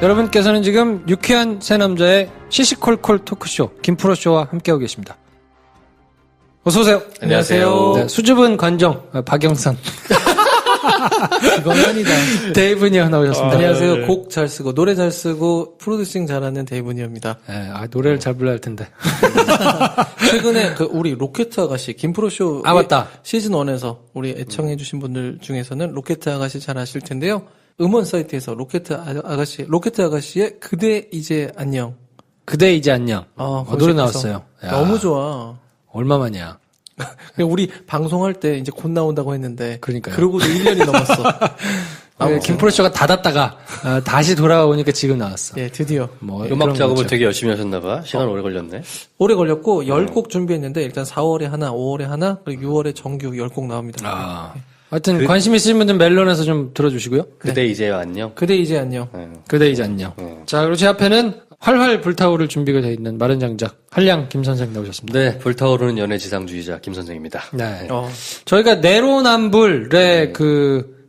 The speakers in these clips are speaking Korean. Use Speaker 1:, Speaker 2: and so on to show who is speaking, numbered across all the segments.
Speaker 1: 여러분께서는 지금 유쾌한 새 남자의 시시콜콜 토크쇼 김프로쇼와 함께하고 계십니다. 어서오세요.
Speaker 2: 안녕하세요.
Speaker 1: 네, 수줍은 관정 박영선
Speaker 2: 이건 아니다.
Speaker 1: 데이브니어 나오셨습니다.
Speaker 2: 안녕하세요. 곡 잘 쓰고 노래 잘 쓰고 프로듀싱 잘하는 데이브니어입니다.
Speaker 1: 네, 노래를 잘 불러야 할 텐데.
Speaker 2: 최근에 우리 로켓 아가씨 김프로쇼
Speaker 1: 맞다.
Speaker 2: 시즌 1에서 우리 애청해주신 분들 중에서는 로켓 아가씨 잘 아실 텐데요. 음원 사이트에서 로켓 아가씨의 그대 이제 안녕.
Speaker 1: 그대 이제 안녕. 노래 나왔어요.
Speaker 2: 너무 좋아.
Speaker 1: 얼마만이야?
Speaker 2: 우리 방송할 때 이제 곧 나온다고 했는데.
Speaker 1: 그러니까요.
Speaker 2: 그러고도 1년이 넘었어.
Speaker 1: 김프로쇼가 닫았다가 다시 돌아오니까 지금 나왔어.
Speaker 2: 예, 드디어.
Speaker 3: 음악 작업을 되게 열심히 하셨나봐. 시간 오래 걸렸네.
Speaker 2: 오래 걸렸고 10곡 준비했는데 일단 4월에 하나, 5월에 하나, 그리고 6월에 정규 10곡 나옵니다.
Speaker 1: 하여튼 관심 있으신 분들은 멜론에서 좀 들어주시고요.
Speaker 3: 그대 이제 안녕.
Speaker 2: 그대 이제 안녕.
Speaker 1: 그대 이제 안녕. 자, 그리고 제 앞에는 활활 불타오를 준비가 되어 있는 마른 장작 한량 김 선생 나오셨습니다.
Speaker 3: 네, 불타오르는 연애 지상주의자 김 선생입니다.
Speaker 1: 네. 저희가 내로남불의 그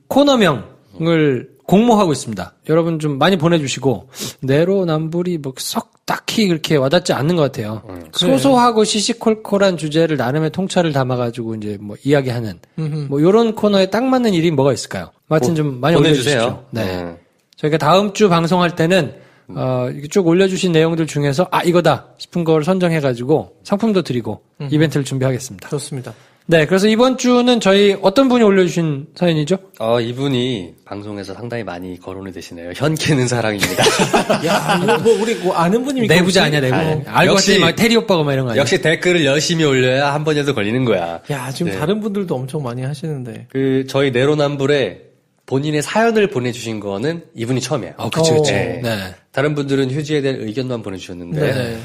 Speaker 1: 코너명을 공모하고 있습니다. 여러분 좀 많이 보내주시고 내로남불이 뭐 썩 딱히 그렇게 와닿지 않는 것 같아요. 소소하고 시시콜콜한 주제를 나름의 통찰을 담아가지고 이제 뭐 이야기하는 뭐 이런 코너에 딱 맞는 일이 뭐가 있을까요? 하여튼 좀 많이 올려주세요. 네. 저희가 다음 주 방송할 때는 이렇게 쭉 올려주신 내용들 중에서 이거다 싶은 걸 선정해가지고 상품도 드리고 이벤트를 준비하겠습니다.
Speaker 2: 좋습니다.
Speaker 1: 네, 그래서 이번 주는 저희 어떤 분이 올려주신 사연이죠?
Speaker 3: 이분이 방송에서 상당히 많이 거론이 되시네요. 현 캐는 사랑입니다.
Speaker 2: 야, 우리 아는 분입니까?
Speaker 1: 내부자 아니야, 내부. 알고 봤더니 막 테리 오빠가 막 이런 거 아니야?
Speaker 3: 역시 댓글을 열심히 올려야 한 번이라도 걸리는 거야.
Speaker 2: 야, 지금 다른 분들도 엄청 많이 하시는데.
Speaker 3: 저희 내로남불에 본인의 사연을 보내주신 거는 이분이 처음이에요.
Speaker 1: 그치.
Speaker 3: 네.
Speaker 1: 네.
Speaker 3: 다른 분들은 휴지에 대한 의견만 보내주셨는데,
Speaker 2: 네.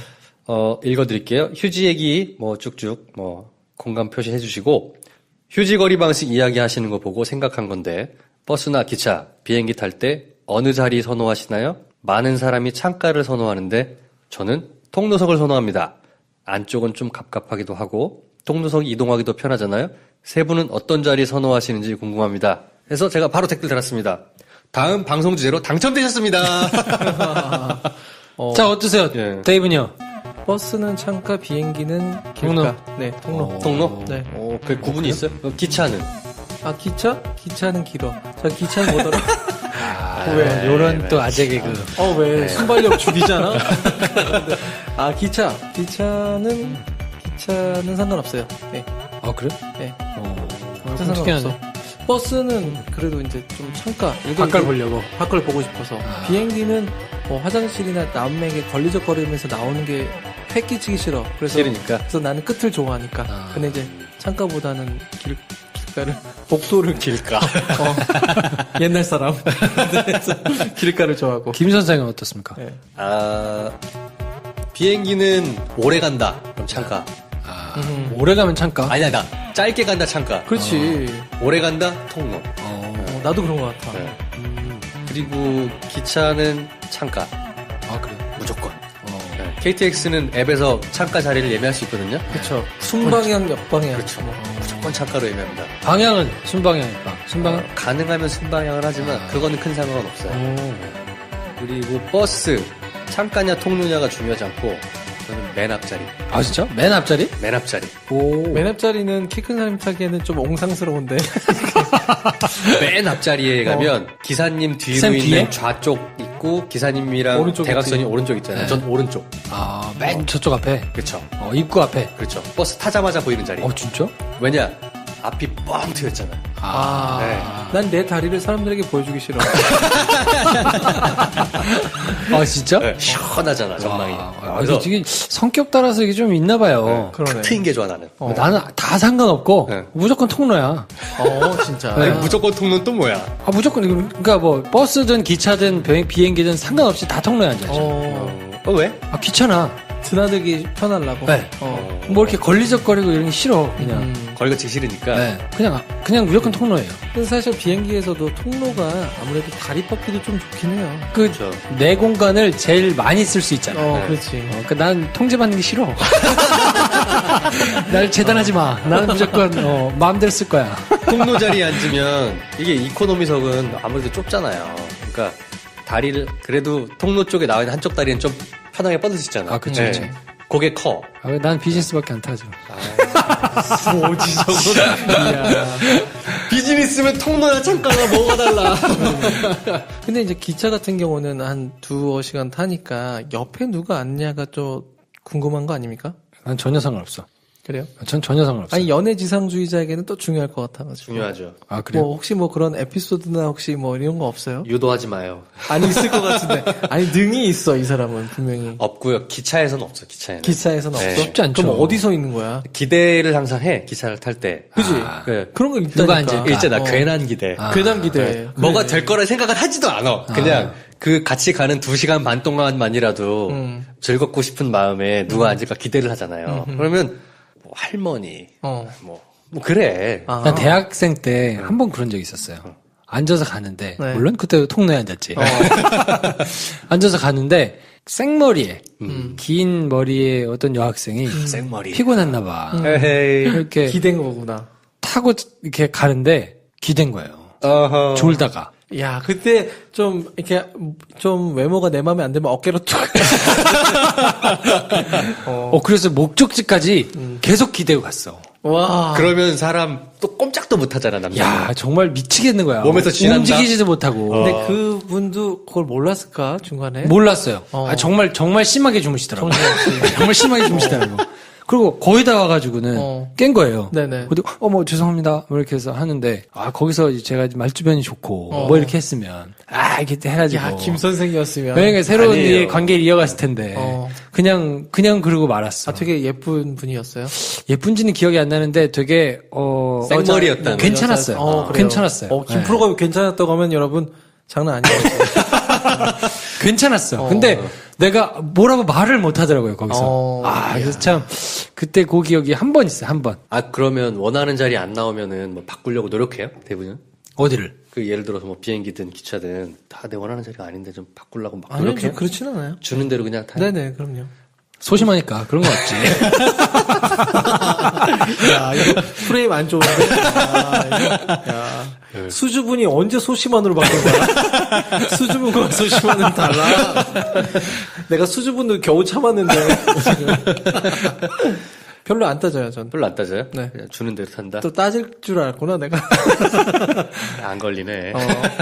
Speaker 3: 읽어드릴게요. 휴지 얘기 쭉쭉 공감 표시해주시고, 휴지 거리 방식 이야기하시는 거 보고 생각한 건데, 버스나 기차, 비행기 탈 때 어느 자리 선호하시나요? 많은 사람이 창가를 선호하는데, 저는 통로석을 선호합니다. 안쪽은 좀 갑갑하기도 하고, 통로석이 이동하기도 편하잖아요? 세 분은 어떤 자리 선호하시는지 궁금합니다. 그래서 제가 바로 댓글 달았습니다. 다음 방송 주제로 당첨되셨습니다.
Speaker 1: 자, 어떠세요?
Speaker 3: 예.
Speaker 1: 데이브니요?
Speaker 2: 버스는 창가, 비행기는 길가.
Speaker 1: 통로.
Speaker 2: 네, 통로.
Speaker 3: 통로?
Speaker 2: 네.
Speaker 3: 그 구분이 있어요? 기차는?
Speaker 2: 기차? 기차는 길어. 자, 기차는 뭐더라?
Speaker 1: 왜? 요런 또 아재 개그.
Speaker 2: 왜? 순발력 죽이잖아? 기차는 상관없어요. 네.
Speaker 1: 그래?
Speaker 2: 네.
Speaker 1: 상관없어.
Speaker 2: 버스는 그래도 이제 좀 창가.
Speaker 1: 밖을 보려고.
Speaker 2: 밖을 보고 싶어서. 비행기는 화장실이나 남에게 걸리적거리면서 나오는 게 패 끼치기 싫어.
Speaker 3: 싫으니까.
Speaker 2: 그래서 나는 끝을 좋아하니까. 근데 이제 창가보다는 길가를, 복도를 길가. 옛날 사람. 그래서 길가를 좋아하고.
Speaker 1: 김 선생은 어떻습니까?
Speaker 2: 네.
Speaker 3: 비행기는 오래 간다. 그럼 창가.
Speaker 1: 오래 가면 창가?
Speaker 3: 아니야, 나 짧게 간다, 창가.
Speaker 2: 그렇지.
Speaker 3: 오래 간다, 통로.
Speaker 2: 나도 그런 것 같아.
Speaker 3: 네. 그리고 기차는 창가.
Speaker 1: 그래.
Speaker 3: 무조건. 네. KTX는 앱에서 창가 자리를 예매할 수 있거든요.
Speaker 2: 그렇죠. 순방향, 역방향.
Speaker 3: 그렇죠. 무조건 창가로 예매합니다.
Speaker 1: 방향은 순방향일까? 순방향?
Speaker 3: 가능하면 순방향을 하지만 그거는 큰 상관은 없어요. 그리고 버스 창가냐 통로냐가 중요하지 않고 저는 맨 앞자리.
Speaker 1: 진짜? 맨 앞자리?
Speaker 3: 맨 앞자리.
Speaker 2: 맨 앞자리는 키 큰 사람 타기에는 좀 옹상스러운데.
Speaker 3: 맨 앞자리에 가면 기사님 뒤로 있는
Speaker 1: 뒤에?
Speaker 3: 좌쪽 있고 기사님이랑
Speaker 2: 오른쪽
Speaker 3: 대각선이
Speaker 2: 있지.
Speaker 3: 오른쪽 있잖아요.
Speaker 1: 네.
Speaker 3: 전 오른쪽.
Speaker 1: 맨 저쪽 앞에.
Speaker 3: 그렇죠.
Speaker 1: 입구 앞에.
Speaker 3: 그렇죠. 버스 타자마자 보이는 자리.
Speaker 1: 진짜?
Speaker 3: 왜냐? 앞이 뻥 트였잖아. 네.
Speaker 2: 난 내 다리를 사람들에게 보여주기 싫어.
Speaker 1: 진짜?
Speaker 3: 네. 시원하잖아, 전망이.
Speaker 1: 그래서 이게 성격 따라서 이게 좀 있나 봐요.
Speaker 2: 그러네.
Speaker 3: 트인 게 좋아, 나는.
Speaker 1: 나는 다 상관없고
Speaker 3: 네.
Speaker 1: 무조건 통로야.
Speaker 2: 진짜.
Speaker 3: 아니, 무조건 통로는 또 뭐야?
Speaker 1: 무조건 그러니까 뭐 버스든 기차든 비행기든 상관없이 다 통로에 앉아있죠.
Speaker 3: 왜?
Speaker 1: 귀찮아.
Speaker 2: 드나들기 편하려고.
Speaker 1: 네. 뭐 이렇게 걸리적거리고 이런 게 싫어 그냥.
Speaker 3: 걸거치 싫으니까.
Speaker 1: 네. 그냥 무조건 통로예요.
Speaker 2: 근데 사실 비행기에서도 통로가 아무래도 다리 뻗기도 좀 좋긴 해요.
Speaker 3: 그렇죠.
Speaker 1: 내 공간을 제일 많이 쓸 수 있잖아.
Speaker 3: 네.
Speaker 2: 그렇지.
Speaker 1: 난 통제받는 게 싫어. 날 재단하지 마. 나는 무조건 마음대로 쓸 거야.
Speaker 3: 통로 자리에 앉으면 이게 이코노미석은 아무래도 좁잖아요. 그러니까 다리를 그래도 통로 쪽에 나와 있는 한쪽 다리는 좀 편하게 뻗을 수 있잖아.
Speaker 1: 아, 그쵸, 그쵸.
Speaker 3: 그게 커.
Speaker 1: 아, 난 비즈니스밖에 안 타죠.
Speaker 2: 뭐지 저거.
Speaker 3: 비즈니스면 통로야 창가가 뭐가 달라.
Speaker 2: 근데 이제 기차 같은 경우는 한 2시간 타니까 옆에 누가 앉냐가 좀 궁금한 거 아닙니까?
Speaker 1: 난 전혀 상관없어.
Speaker 2: 그래요?
Speaker 1: 전 전혀 상관없어.
Speaker 2: 아니 연애 지상주의자에게는 또 중요할 것 같아가지고.
Speaker 3: 중요하죠.
Speaker 1: 아, 그래요?
Speaker 2: 뭐 혹시 뭐 그런 에피소드나 혹시 뭐 이런 거 없어요?
Speaker 3: 유도하지 마요.
Speaker 2: 아니 있을 것 같은데. 아니 능이 있어 이 사람은 분명히.
Speaker 3: 없고요. 기차에서는 없어. 기차에는.
Speaker 2: 기차에서는
Speaker 3: 네.
Speaker 2: 없어?
Speaker 1: 쉽지 않죠.
Speaker 2: 그럼 어디서 있는 거야?
Speaker 3: 기대를 항상 해. 기차를 탈 때.
Speaker 2: 그지?
Speaker 3: 그
Speaker 2: 그런 거 있다니까.
Speaker 1: 누가 앉을까?
Speaker 3: 있잖아. 괜한 기대.
Speaker 2: 괜한 기대.
Speaker 3: 네. 뭐가 될 거라 생각을 하지도 않아. 그냥 그 같이 가는 2시간 반 동안만이라도 즐겁고 싶은 마음에 누가 앉을까 기대를 하잖아요. 그러면 뭐 할머니, 뭐 그래.
Speaker 2: 아.
Speaker 1: 난 대학생 때 한 번 그런 적이 있었어요. 앉아서 가는데,
Speaker 2: 네.
Speaker 1: 물론 그때 통로에 앉았지. 앉아서 가는데, 생머리에, 긴 머리에 어떤 여학생이
Speaker 3: 생머리.
Speaker 1: 피곤했나 봐.
Speaker 3: 에헤이.
Speaker 1: 이렇게
Speaker 2: 기댄 거구나.
Speaker 1: 타고 이렇게 가는데, 기댄 거예요.
Speaker 3: 어허.
Speaker 1: 졸다가.
Speaker 2: 야, 그때 좀 이렇게 좀 외모가 내 마음에 안 들면 어깨로 툭.
Speaker 1: 그래서 목적지까지 계속 기대고 갔어.
Speaker 2: 와.
Speaker 3: 그러면 사람 또 꼼짝도 못 하잖아, 남자.
Speaker 1: 야, 정말 미치겠는 거야.
Speaker 3: 몸에서 지난다?
Speaker 1: 움직이지도 못하고.
Speaker 2: 근데 그분도 그걸 몰랐을까 중간에?
Speaker 1: 몰랐어요. 아, 정말 심하게 주무시더라고요. 정말 심하게 주무시더라고. 그리고 거의 다 와가지고는 깬 거예요.
Speaker 2: 네네.
Speaker 1: 근데 뭐 죄송합니다. 뭐 이렇게 해서 하는데 거기서 이제 제가 말주변이 좋고 뭐 이렇게 했으면 이렇게 해가지고.
Speaker 2: 야, 김 선생이었으면.
Speaker 1: 그러니까 새로운
Speaker 3: 아니에요.
Speaker 1: 관계를 이어갔을 텐데 그냥 그러고 말았어.
Speaker 2: 아, 되게 예쁜 분이었어요.
Speaker 1: 예쁜지는 기억이 안 나는데 되게
Speaker 3: 생머리였다는
Speaker 1: 괜찮았어요.
Speaker 2: 그래요.
Speaker 1: 괜찮았어요.
Speaker 2: 김프로가 괜찮았다고 하면 여러분 장난 아니에요.
Speaker 1: 괜찮았어. 근데 내가 뭐라고 말을 못 하더라고요, 거기서. 그래서 참, 그때 그 기억이 한 번 있어요, 한 번.
Speaker 3: 그러면 원하는 자리 안 나오면은 뭐 바꾸려고 노력해요? 대부분?
Speaker 1: 어디를?
Speaker 3: 그 예를 들어서 뭐 비행기든 기차든 다 내 원하는 자리가 아닌데 좀 바꾸려고 막
Speaker 2: 아니요,
Speaker 3: 노력해요?
Speaker 2: 그렇진 않아요.
Speaker 3: 주는 대로 그냥 다.
Speaker 2: 네네, 그럼요.
Speaker 1: 소심하니까 그런 거 없지.
Speaker 2: 야, 이거 프레임 안 좋은데? 야. 수줍은이 언제 소심한으로 바뀐 거야? 수줍은과 소심한은 달라. 내가 수줍은도 겨우 참았는데, 지금. 별로 안 따져요, 전.
Speaker 3: 별로 안 따져요?
Speaker 2: 네.
Speaker 3: 그냥 주는 대로 탄다?
Speaker 2: 또 따질 줄 알았구나, 내가.
Speaker 3: 안 걸리네.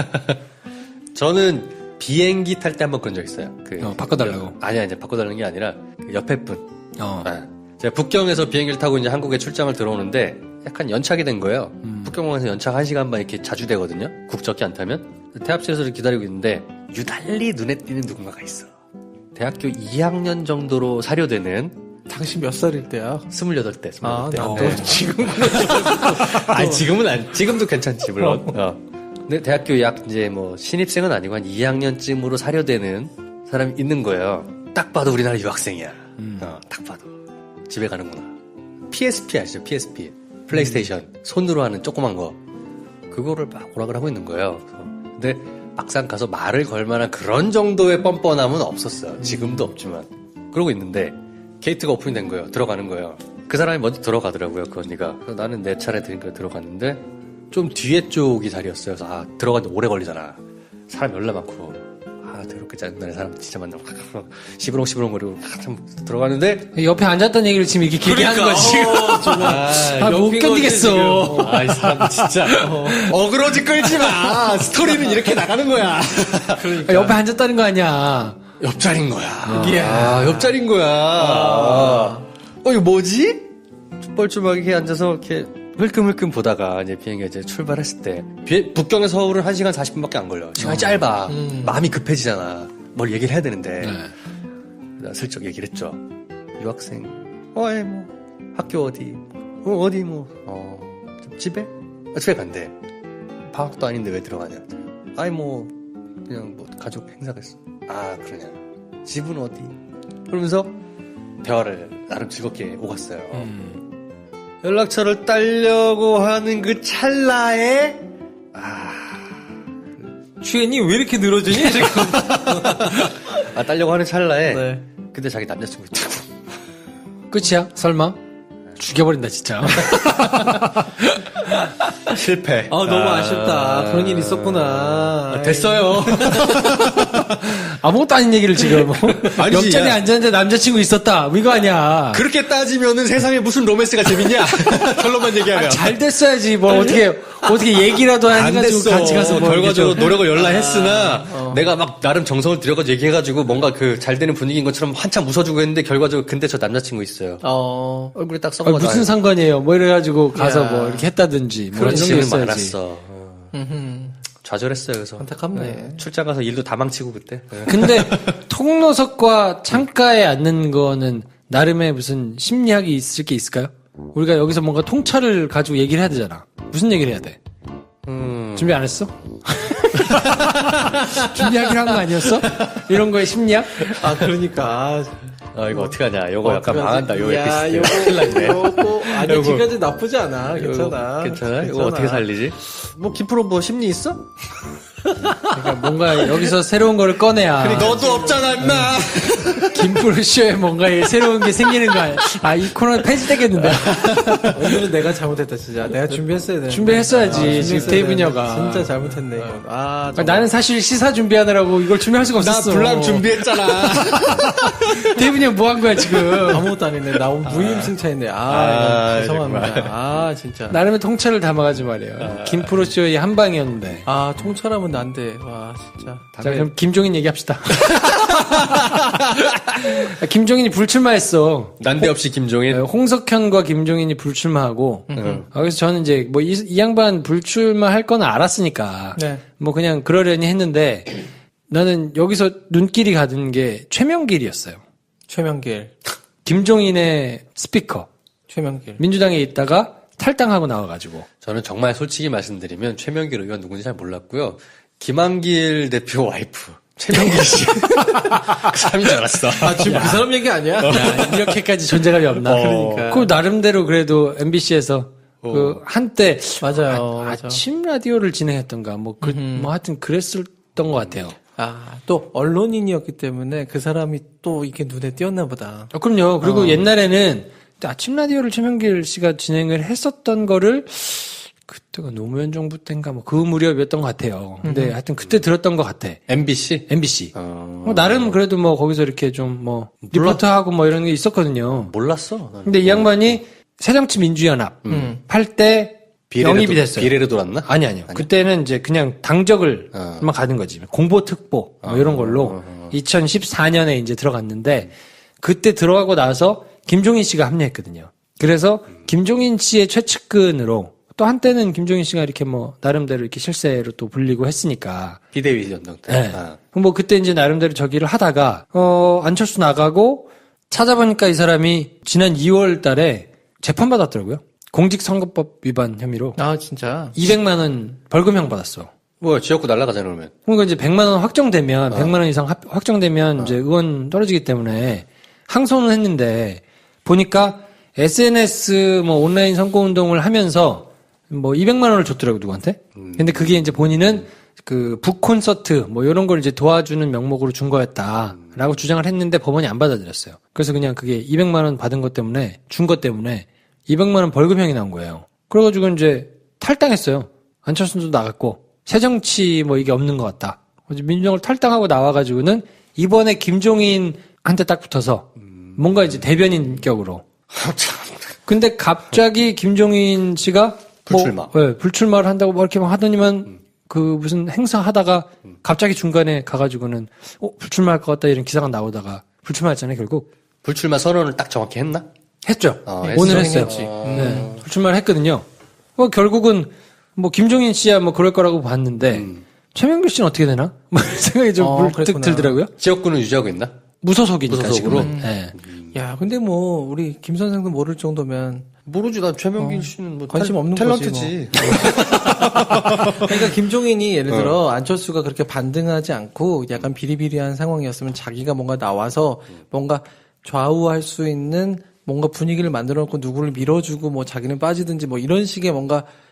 Speaker 3: 저는 비행기 탈 때 한 번 그런 적 있어요.
Speaker 1: 바꿔달라고.
Speaker 3: 아니야, 이제 바꿔달라는 게 아니라 그 옆에 분.
Speaker 1: 어.
Speaker 3: 제가 북경에서 비행기를 타고 이제 한국에 출장을 들어오는데 약간 연착이 된 거예요. 북경공항에서 연착 1시간 반 이렇게 자주 되거든요. 국적기 안 타면. 태합실에서 기다리고 있는데 유달리 눈에 띄는 누군가가 있어. 대학교 2학년 정도로 사료되는
Speaker 2: 당신 몇 살일 때야?
Speaker 3: 28대. 28대.
Speaker 2: 나도
Speaker 3: 네.
Speaker 2: 지금.
Speaker 3: 아니, 지금도 괜찮지, 물론. 근데 대학교 약 이제 뭐 신입생은 아니고 한 2학년쯤으로 사료되는 사람이 있는 거예요. 딱 봐도 우리나라 유학생이야. 딱 봐도. 집에 가는구나. PSP 아시죠? PSP. 플레이스테이션. 손으로 하는 조그만 거. 그거를 막 오락을 하고 있는 거예요. 근데 막상 가서 말을 걸 만한 그런 정도의 뻔뻔함은 없었어요. 지금도 없지만. 그러고 있는데 게이트가 오픈이 된 거예요. 들어가는 거예요. 그 사람이 먼저 들어가더라고요. 그 언니가. 그래서 나는 내 차례 되니까 들어갔는데 좀 뒤에 쪽이 자리였어요. 그래서 들어가는데 오래 걸리잖아. 사람 열나 많고. 더럽게 짜증나는 사람 진짜 만나고 시부렁시부렁거리고 참 들어가는데
Speaker 1: 옆에 앉았던 얘기를 지금 이렇게 길게 하는 거지. 못 견디겠어.
Speaker 3: 이 사람 진짜 어그로지 끌지 마. 스토리는 이렇게 나가는 거야.
Speaker 1: 그러니까. 옆에 앉았다는 거 아니야.
Speaker 3: 옆자리인 거야. 옆자리인 거야. 이거 뭐지? 뻘쭘하게 앉아서 이렇게 흘끔흘끔 보다가 이제 비행기가 이제 출발했을 때 북경에서 서울은 1시간 40분밖에 안 걸려. 시간이 짧아. 마음이 급해지잖아. 뭘 얘기를 해야 되는데. 나 슬쩍 얘기를 했죠. 유학생. 뭐 학교 어디? 어디 집에? 집에 간대. 방학도 아닌데 왜 들어가냐? 그냥 가족 행사가 있어. 그러냐. 집은 어디? 그러면서 대화를 나름 즐겁게 오갔어요. 연락처를 따려고 하는 그 찰나에
Speaker 2: 취했니? 왜 이렇게 늘어지니? 지금.
Speaker 3: 따려고 하는 찰나에
Speaker 2: 네.
Speaker 3: 근데 자기 남자친구 있다고.
Speaker 1: 끝이야? 설마? 죽여버린다 진짜.
Speaker 3: 실패.
Speaker 2: 너무 아쉽다. 그런 일이 있었구나.
Speaker 3: 됐어요.
Speaker 1: 아무것도 아닌 얘기를 지금.
Speaker 3: 아니지,
Speaker 1: 옆자리에
Speaker 3: 야.
Speaker 1: 앉았는데 남자친구 있었다. 뭐 이거 아니야.
Speaker 3: 그렇게 따지면은 세상에 무슨 로맨스가 재밌냐? 결론만 얘기하면.
Speaker 1: 잘 됐어야지. 뭐 어떻게 얘기라도
Speaker 3: 안
Speaker 1: 해가지고
Speaker 3: 됐어.
Speaker 1: 같이 가서 뭐
Speaker 3: 결과적으로
Speaker 1: 이렇게
Speaker 3: 노력을 열라 했으나 내가 막 나름 정성을 들여가지고 얘기해가지고 뭔가 그 잘 되는 분위기인 것처럼 한참 웃어주고 했는데 결과적으로 근데 저 남자친구 있어요. 얼굴에 딱 써가지고
Speaker 1: 무슨 상관이에요. 뭐 이래가지고 가서
Speaker 2: 야.
Speaker 1: 뭐 이렇게 했다든지 뭐
Speaker 3: 그런
Speaker 1: 이런 게
Speaker 3: 시간이
Speaker 1: 있어야지.
Speaker 3: 많았어. 좌절했어요. 그래서
Speaker 2: 안타깝네.
Speaker 3: 출장 가서 일도 다 망치고 그때.
Speaker 1: 근데 통로석과 창가에 앉는 거는 나름의 무슨 심리학이 있을 게 있을까요? 우리가 여기서 뭔가 통찰을 가지고 얘기를 해야 되잖아. 무슨 얘기를 해야 돼? 준비 안 했어? 준비하기로 한 거 아니었어? 이런 거에 심리학?
Speaker 2: 그러니까.
Speaker 3: 이거 어떡하냐. 요거 약간 망한다. 요
Speaker 2: 야,
Speaker 3: 에피소드. 큰일 났네.
Speaker 2: 요거, 아니,
Speaker 3: 요거.
Speaker 2: 지금까지 나쁘지 않아. 괜찮아.
Speaker 3: 괜찮아? 이거 어떻게 살리지? 뭐, 김프로 뭐 심리 있어?
Speaker 1: 그러니까 뭔가 여기서 새로운 거를 꺼내야
Speaker 3: 너도 없잖아, 임마!
Speaker 1: 김프로쇼에 뭔가 새로운 게 생기는 거 아니야? 이 코너 폐지되겠는데.
Speaker 2: 오늘은 내가 잘못했다, 진짜. 내가 준비했어야 돼.
Speaker 1: 준비했어야지, 지금 데이브녀가.
Speaker 2: 진짜 잘못했네, 이건.
Speaker 1: 나는 사실 시사 준비하느라고 이걸 준비할 수가 없었어.
Speaker 3: 나 불남 준비했잖아.
Speaker 1: 데이브녀 뭐 한 거야, 지금?
Speaker 2: 아무것도 안 했네. 나 오늘 무임승차했네. 죄송합니다. 진짜.
Speaker 1: 나름의 통찰을 담아가지 말이에요. 김프로쇼의 한 방이었는데.
Speaker 2: 통찰하면 난데. 와, 진짜.
Speaker 1: 자, 그럼 김종인 얘기합시다. 김종인이 불출마했어.
Speaker 3: 난데없이 김종인.
Speaker 1: 홍석현과 김종인이 불출마하고. 그래서 저는 이제 뭐 이 양반 불출마할 건 알았으니까.
Speaker 2: 네.
Speaker 1: 뭐 그냥 그러려니 했는데 나는 여기서 눈길이 가던 게 최명길이었어요.
Speaker 2: 최명길.
Speaker 1: 김종인의 스피커.
Speaker 2: 최명길.
Speaker 1: 민주당에 있다가 탈당하고 나와가지고.
Speaker 3: 저는 정말 솔직히 말씀드리면 최명길 의원 누군지 잘 몰랐고요. 김한길 대표 와이프. 최명길 씨. 그 사람인 줄 알았어.
Speaker 2: 지금 그 사람 얘기 아니야?
Speaker 1: 야, 이렇게까지 존재감이 없나.
Speaker 2: 그러니까.
Speaker 1: 그 나름대로 그래도 MBC에서 그 한때
Speaker 2: 맞아요. 맞아.
Speaker 1: 아침 라디오를 진행했던가 뭐 하여튼 그랬었던 것 같아요.
Speaker 2: 또 언론인이었기 때문에 그 사람이 또 이게 눈에 띄었나 보다.
Speaker 1: 그럼요. 그리고 옛날에는 아침 라디오를 최명길 씨가 진행을 했었던 거를 그때가 노무현 정부 때인가 뭐 그 무렵이었던 것 같아요. 근데 하여튼 그때 들었던 것 같아.
Speaker 3: MBC?
Speaker 1: MBC. 나름 그래도 뭐 거기서 이렇게 좀 뭐 리포트하고 뭐 이런 게 있었거든요.
Speaker 3: 몰랐어. 나는.
Speaker 1: 근데 이 양반이 새정치민주연합 할 때 영입이 됐어요.
Speaker 3: 비례로 돌았나?
Speaker 1: 아니요. 그때는 이제 그냥 당적을만 가는 거지. 공보특보 뭐 이런 걸로 2014년에 이제 들어갔는데 그때 들어가고 나서 김종인 씨가 합류했거든요. 그래서 김종인 씨의 최측근으로 또 한때는 김종인 씨가 이렇게 뭐 나름대로 이렇게 실세로 또 불리고 했으니까
Speaker 3: 비대위 연동 때.
Speaker 1: 네. 뭐 그때 이제 나름대로 저기를 하다가 안철수 나가고 찾아보니까 이 사람이 지난 2월 달에 재판 받았더라고요. 공직선거법 위반 혐의로.
Speaker 2: 진짜.
Speaker 1: 200만 원 벌금형 받았어.
Speaker 3: 뭐 지역구 날라가잖아 그러면.
Speaker 1: 그러니까 이제 100만 원 확정되면 100만 원 이상 확정되면 이제 의원 떨어지기 때문에 항소는 했는데 보니까 SNS 뭐 온라인 선거 운동을 하면서 뭐 200만 원을 줬더라고 누구한테. 근데 그게 이제 본인은 그 북 콘서트 뭐 이런 걸 이제 도와주는 명목으로 준 거였다라고 주장을 했는데 법원이 안 받아들였어요. 그래서 그냥 그게 200만 원 받은 것 때문에 준 것 때문에 200만 원 벌금형이 나온 거예요. 그래가지고 이제 탈당했어요. 안철수도 나갔고 새정치 뭐 이게 없는 것 같다. 민주당을 탈당하고 나와가지고는 이번에 김종인한테 딱 붙어서 뭔가 이제 대변인 격으로. 근데 갑자기 김종인 씨가
Speaker 3: 불출마.
Speaker 1: 불출마를 한다고 뭐 이렇게 막 하더니만 그 무슨 행사 하다가 갑자기 중간에 가가지고는 불출마할 것 같다 이런 기사가 나오다가 불출마했잖아요 결국.
Speaker 3: 불출마 선언을 딱 정확히 했나?
Speaker 1: 했죠.
Speaker 3: 했어.
Speaker 1: 오늘 했어요.
Speaker 2: 했지.
Speaker 1: 네. 불출마를 했거든요. 결국은 뭐 김종인 씨야 뭐 그럴 거라고 봤는데 최명길 씨는 어떻게 되나? 뭐 생각이 좀 불뜩
Speaker 2: 그랬구나.
Speaker 1: 들더라고요.
Speaker 3: 지역구는 유지하고 있나?
Speaker 1: 무소속이니까
Speaker 3: 무소속으로?
Speaker 1: 지금은. 네.
Speaker 2: 야, 근데 뭐 우리 김 선생도 모를 정도면
Speaker 3: 모르지. 난 최명길 씨는 뭐
Speaker 2: 관심 없는
Speaker 3: 탤런트지.
Speaker 2: 그러니까 김종인이 예를 들어 안철수가 그렇게 반등하지 않고 약간 비리비리한 상황이었으면 자기가 뭔가 나와서 뭔가 좌우할 수 있는 뭔가 분위기를 만들어 놓고 누구를 밀어주고 뭐 자기는 빠지든지 뭐 이런 식의 뭔가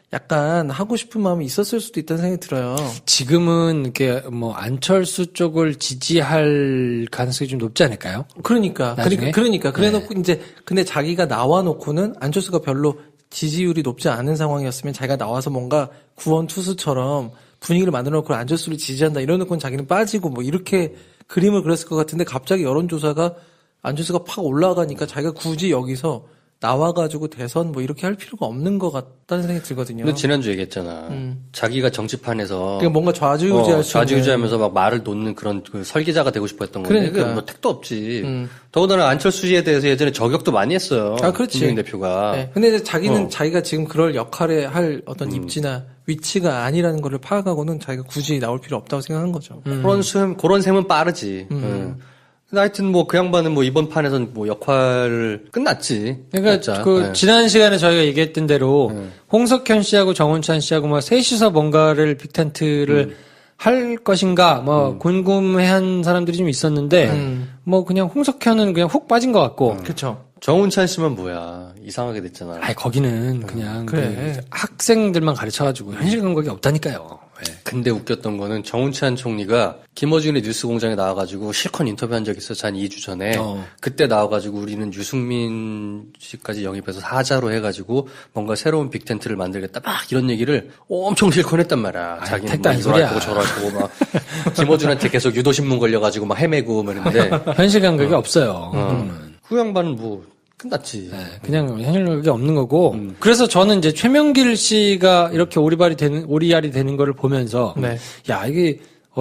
Speaker 2: 약간 하고 싶은 마음이 있었을 수도 있다는 생각이 들어요.
Speaker 1: 지금은 이렇게 뭐 안철수 쪽을 지지할 가능성이 좀 높지 않을까요?
Speaker 2: 그러니까.
Speaker 1: 나중에?
Speaker 2: 그래놓고 이제, 근데 자기가 나와놓고는 안철수가 별로 지지율이 높지 않은 상황이었으면 자기가 나와서 뭔가 구원 투수처럼 분위기를 만들어놓고 안철수를 지지한다 이러놓고는 자기는 빠지고 뭐 이렇게 그림을 그렸을 것 같은데 갑자기 여론조사가 안철수가 팍 올라가니까 자기가 굳이 여기서 나와가지고 대선 뭐 이렇게 할 필요가 없는 것 같다는 생각이 들거든요.
Speaker 3: 근데 지난주 얘기했잖아. 자기가 정치판에서
Speaker 2: 그러니까 뭔가 좌지우지할 수 있는.
Speaker 3: 좌지우지하면서 막 말을 놓는 그런 그 설계자가 되고 싶어 했던 건데
Speaker 2: 그러니까.
Speaker 3: 뭐 택도 없지. 더군다나 안철수에 대해서 예전에 저격도 많이 했어요.
Speaker 2: 아, 그렇지.
Speaker 3: 김종인 대표가.
Speaker 2: 네. 근데 이제 자기는 자기가 지금 그럴 역할에 할 어떤 입지나 위치가 아니라는 거를 파악하고는 자기가 굳이 나올 필요 없다고 생각한 거죠.
Speaker 3: 그런 셈은 빠르지. 근데 하여튼 뭐 그 양반은 뭐 이번 판에서는 뭐 역할을 끝났지.
Speaker 1: 그러니까
Speaker 3: 진짜.
Speaker 1: 그
Speaker 3: 네.
Speaker 1: 지난 시간에 저희가 얘기했던 대로 홍석현 씨하고 정운찬 씨하고 뭐 셋이서 뭔가를 빅텐트를 할 것인가 뭐 궁금해한 사람들이 좀 있었는데 뭐 그냥 홍석현은 그냥 훅 빠진 것 같고
Speaker 2: 그렇죠.
Speaker 3: 정운찬 씨만 뭐야 이상하게 됐잖아.
Speaker 1: 아이 거기는 그냥
Speaker 2: 그래.
Speaker 1: 그 학생들만 가르쳐가지고 현실 감각이 없다니까요. 예.
Speaker 3: 근데 웃겼던 거는 정운찬 총리가 김어준의 뉴스공장에 나와가지고 실컷 인터뷰한 적이 있었어. 한 2주 전에. 그때 나와가지고 우리는 유승민 씨까지 영입해서 사자로 해가지고 뭔가 새로운 빅텐트를 만들겠다. 막 이런 얘기를 엄청 실컷 했단 말이야. 자기는
Speaker 1: 택도
Speaker 3: 뭐
Speaker 1: 아닌
Speaker 3: 이걸 할
Speaker 1: 소리야.
Speaker 3: 거고 저럴 거고 막 김어준한테 계속 유도신문 걸려가지고 막 헤매고 막 이랬는데
Speaker 1: 현실 감각이 없어요.
Speaker 3: 그 양반은 뭐 끝났지.
Speaker 1: 네, 그냥 현실 감각이 없는 거고. 그래서 저는 이제 최명길 씨가 이렇게 오리알이 되는 거를 보면서
Speaker 2: 네.
Speaker 1: 야 이게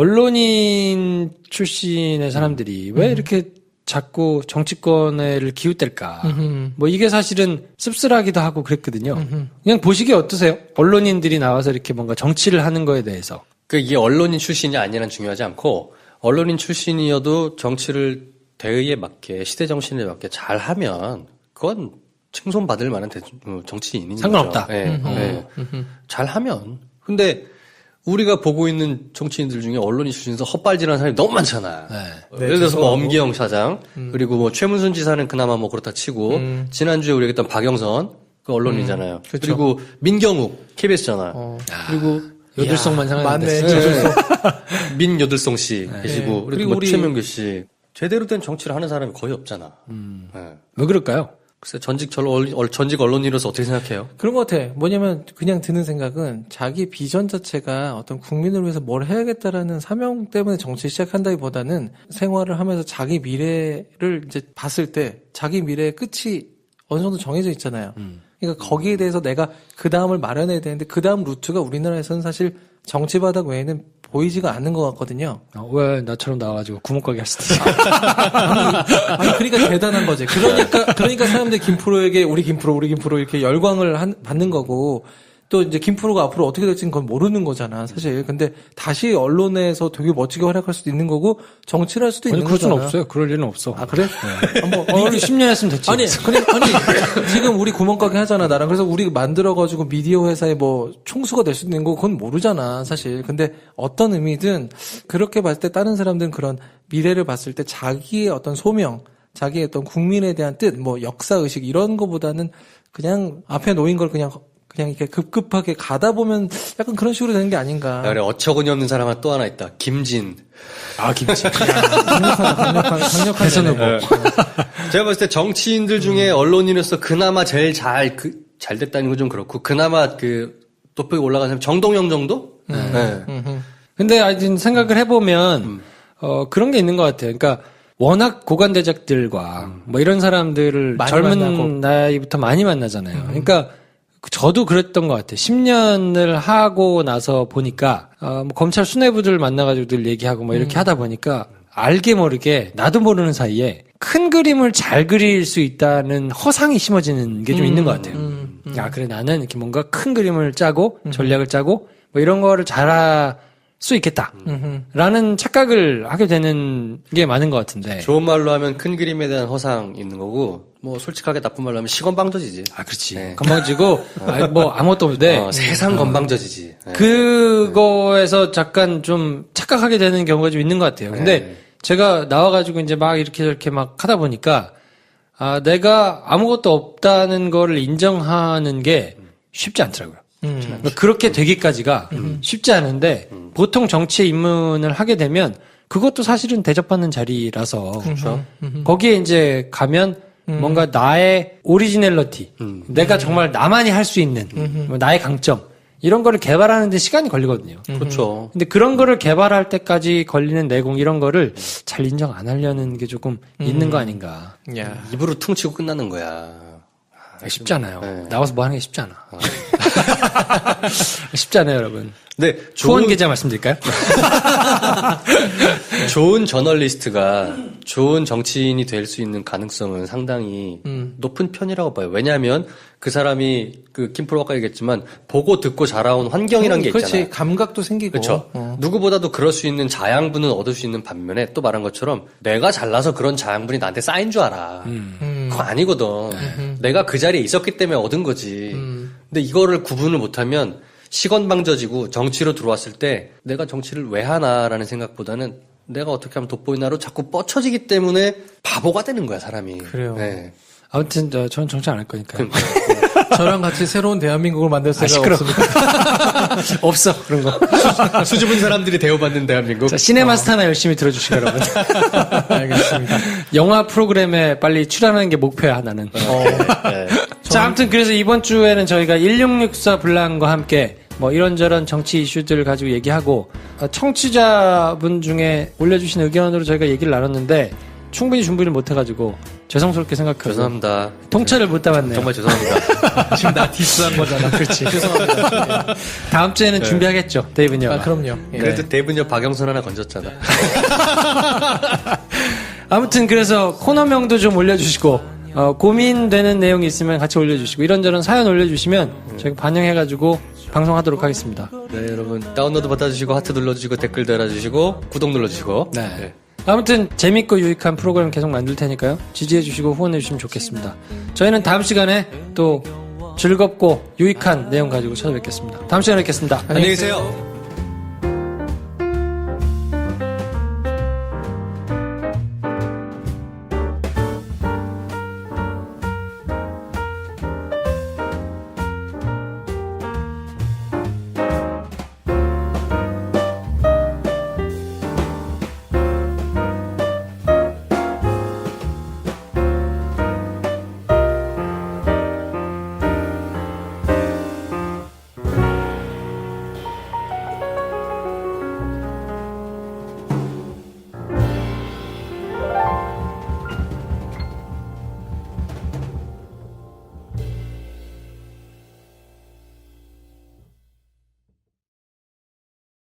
Speaker 1: 언론인 출신의 사람들이 왜 이렇게 자꾸 정치권을 기웃댈까? 뭐 이게 사실은 씁쓸하기도 하고 그랬거든요. 그냥 보시기에 어떠세요? 언론인들이 나와서 이렇게 뭔가 정치를 하는 거에 대해서.
Speaker 3: 그 이게 언론인 출신이 아니란 중요하지 않고 언론인 출신이어도 정치를 대의에 맞게 시대 정신에 맞게 잘하면 그건 칭송받을 만한 정치인이죠.
Speaker 1: 상관없다.
Speaker 3: 네, 네. 잘하면. 근데 우리가 보고 있는 정치인들 중에 언론인 출신에서 헛발질하는 사람이 너무 많잖아.
Speaker 1: 네.
Speaker 3: 예를 들어서 뭐 엄기영 사장 그리고 뭐 최문순 지사는 그나마 뭐 그렇다 치고 지난주에 우리가 했던 박영선 그 언론이잖아요.
Speaker 2: 그렇죠.
Speaker 3: 그리고 민경욱 KBS잖아. 그리고
Speaker 1: 여들성만 상하는데.
Speaker 2: 맞네.
Speaker 3: 민여들송 씨 계시고
Speaker 2: 그리고
Speaker 3: 그리고
Speaker 2: 우리-
Speaker 3: 최명길 씨 제대로 된 정치를 하는 사람이 거의 없잖아. 네.
Speaker 1: 왜 그럴까요?
Speaker 3: 글쎄 전직 언론인으로서 어떻게 생각해요?
Speaker 2: 그런 것 같아. 뭐냐면 그냥 드는 생각은 자기 비전 자체가 어떤 국민을 위해서 뭘 해야겠다라는 사명 때문에 정치 시작한다기보다는 생활을 하면서 자기 미래를 이제 봤을 때 자기 미래의 끝이 어느 정도 정해져 있잖아요. 그러니까 거기에 대해서 내가 그 다음을 마련해야 되는데 그 다음 루트가 우리나라에서는 사실 정치 바닥 외에는 보이지가 않는 것 같거든요.
Speaker 1: 왜 나처럼 나와가지고 구멍가게 할 수도 있어.
Speaker 2: 아니 그러니까 대단한 거지. 그러니까 사람들이 김프로에게 우리 김프로 이렇게 열광을 받는 거고 또 이제 김프로가 앞으로 어떻게 될지는 그건 모르는 거잖아 사실. 근데 다시 언론에서 되게 멋지게 활약할 수도 있는 거고 정치를 할 수도
Speaker 1: 아니,
Speaker 2: 있는
Speaker 1: 그럴 수는
Speaker 2: 거잖아.
Speaker 1: 없어요. 그럴 일은 없어.
Speaker 2: 아 그래?
Speaker 1: 뭐, 우리 10년 했으면 됐지.
Speaker 2: 아니 지금 우리 구멍가게 하잖아 나랑. 그래서 우리 만들어가지고 미디어 회사에 뭐 총수가 될 수도 있는 거 그건 모르잖아 사실. 근데 어떤 의미든 그렇게 봤을 때 다른 사람들은 그런 미래를 봤을 때 자기의 어떤 소명, 자기의 어떤 국민에 대한 뜻, 뭐 역사 의식 이런 거보다는 그냥 앞에 놓인 걸 그냥 이렇게 급급하게 가다 보면 약간 그런 식으로 되는 게 아닌가.
Speaker 3: 그래 어처구니 없는 사람 또 하나 있다. 김진.
Speaker 1: 아, 김치.
Speaker 2: 강력한
Speaker 1: 대선 후보.
Speaker 3: 제가 봤을 때 정치인들 중에 언론인으로서 그나마 제일 잘 됐다는 건 좀 그렇고 그나마 그 높게 올라간 사람 정동영 정도? 네.
Speaker 1: 근데 하여튼 생각을 해보면, 그런 게 있는 것 같아요. 그러니까, 워낙 고관대작들과 뭐 이런 사람들을
Speaker 2: 많이
Speaker 1: 젊은
Speaker 2: 만나고.
Speaker 1: 나이부터 많이 만나잖아요. 그러니까, 저도 그랬던 것 같아요. 10년을 하고 나서 보니까, 뭐 검찰 수뇌부들 만나가지고 늘 얘기하고 뭐 이렇게 하다 보니까, 알게 모르게, 나도 모르는 사이에 큰 그림을 잘 그릴 수 있다는 허상이 심어지는 게 좀 있는 것 같아요. 야, 그래, 나는 이렇게 뭔가 큰 그림을 짜고, 전략을 짜고, 뭐 이런 거를 잘할 수 있겠다. 라는 착각을 하게 되는 게 많은 것 같은데.
Speaker 3: 좋은 말로 하면 큰 그림에 대한 허상 있는 거고 뭐 솔직하게 나쁜 말로 하면 시건방져지지.
Speaker 1: 아, 그렇지.
Speaker 3: 네.
Speaker 1: 건방지고, 뭐 아무것도 없는데.
Speaker 3: 세상 건방져지지. 네.
Speaker 1: 그거에서 잠깐 좀 착각하게 되는 경우가 좀 있는 것 같아요. 근데
Speaker 3: 네.
Speaker 1: 제가 나와가지고 이제 막 이렇게 저렇게 막 하다 보니까, 내가 아무것도 없다는 거를 인정하는 게 쉽지 않더라고요. 그러니까 그렇게 되기까지가 쉽지 않은데 보통 정치에 입문을 하게 되면 그것도 사실은 대접받는 자리라서 거기에 이제 가면 뭔가 나의 오리지널리티, 내가 정말 나만이 할 수 있는 나의 강점 이런 거를 개발하는 데 시간이 걸리거든요.
Speaker 3: 그렇죠.
Speaker 1: 근데 그런 거를 개발할 때까지 걸리는 내공 이런 거를 잘 인정 안 하려는 게 조금 있는 거 아닌가.
Speaker 2: 야.
Speaker 3: 입으로 퉁치고 끝나는 거야.
Speaker 1: 쉽지 않아요.
Speaker 3: 네.
Speaker 1: 나와서 뭐 하는 게 쉽지 않아. 쉽지 않아요, 여러분.
Speaker 3: 네,
Speaker 1: 후원 계좌 말씀드릴까요?
Speaker 3: 좋은 저널리스트가 좋은 정치인이 될 수 있는 가능성은 상당히 높은 편이라고 봐요. 왜냐하면 그 사람이 그 김프로가 아까 얘기했지만 보고 듣고 자라온 환경이란 게 있잖아요.
Speaker 2: 그렇지. 감각도 생기고.
Speaker 3: 그렇죠. 누구보다도 그럴 수 있는 자양분은 얻을 수 있는 반면에 또 말한 것처럼 내가 잘나서 그런 자양분이 나한테 쌓인 줄 알아. 그거 아니거든. 내가 그 자리에 있었기 때문에 얻은 거지. 근데 이거를 구분을 못하면 시건방져지고 정치로 들어왔을 때 내가 정치를 왜 하나라는 생각보다는 내가 어떻게 하면 돋보이나로 자꾸 뻗쳐지기 때문에 바보가 되는 거야, 사람이.
Speaker 2: 그래요.
Speaker 3: 네.
Speaker 1: 아무튼 저는 정치 안 할 거니까요.
Speaker 2: 저랑 같이 새로운 대한민국을 만들 생각 없습니다.
Speaker 1: 없어 그런 거.
Speaker 3: 수줍은 사람들이 대우받는 대한민국.
Speaker 1: 자, 시네마스타나 열심히 들어주시고 여러분.
Speaker 2: 알겠습니다.
Speaker 1: 영화 프로그램에 빨리 출연하는 게 목표야 나는.
Speaker 3: 네.
Speaker 1: 자, 아무튼 그래서 이번 주에는 저희가 1664 블랑과 함께 뭐 이런저런 정치 이슈들을 가지고 얘기하고 청취자분 중에 올려주신 의견으로 저희가 얘기를 나눴는데 충분히 준비를 못해가지고 죄송스럽게 생각하고
Speaker 3: 죄송합니다.
Speaker 1: 통찰을 못 담았네요.
Speaker 3: 정말 죄송합니다.
Speaker 2: 지금 나 디스한 거잖아. 그렇지. 죄송합니다.
Speaker 1: 다음 주에는 준비하겠죠, 데이브녀가.
Speaker 2: 아, 그럼요. 예.
Speaker 3: 그래도 대분녀 박영선 하나 건졌잖아.
Speaker 1: 아무튼 그래서 코너명도 좀 올려주시고 고민되는 내용이 있으면 같이 올려주시고 이런저런 사연 올려주시면 저희가 반영해가지고 방송하도록 하겠습니다.
Speaker 3: 네, 여러분 다운로드 받아주시고 하트 눌러주시고 댓글 달아주시고 구독 눌러주시고.
Speaker 1: 네. 아무튼 재밌고 유익한 프로그램 계속 만들 테니까요. 지지해주시고 후원해주시면 좋겠습니다. 저희는 다음 시간에 또 즐겁고 유익한 내용 가지고 찾아뵙겠습니다. 다음 시간에 뵙겠습니다.
Speaker 3: 안녕히 계세요.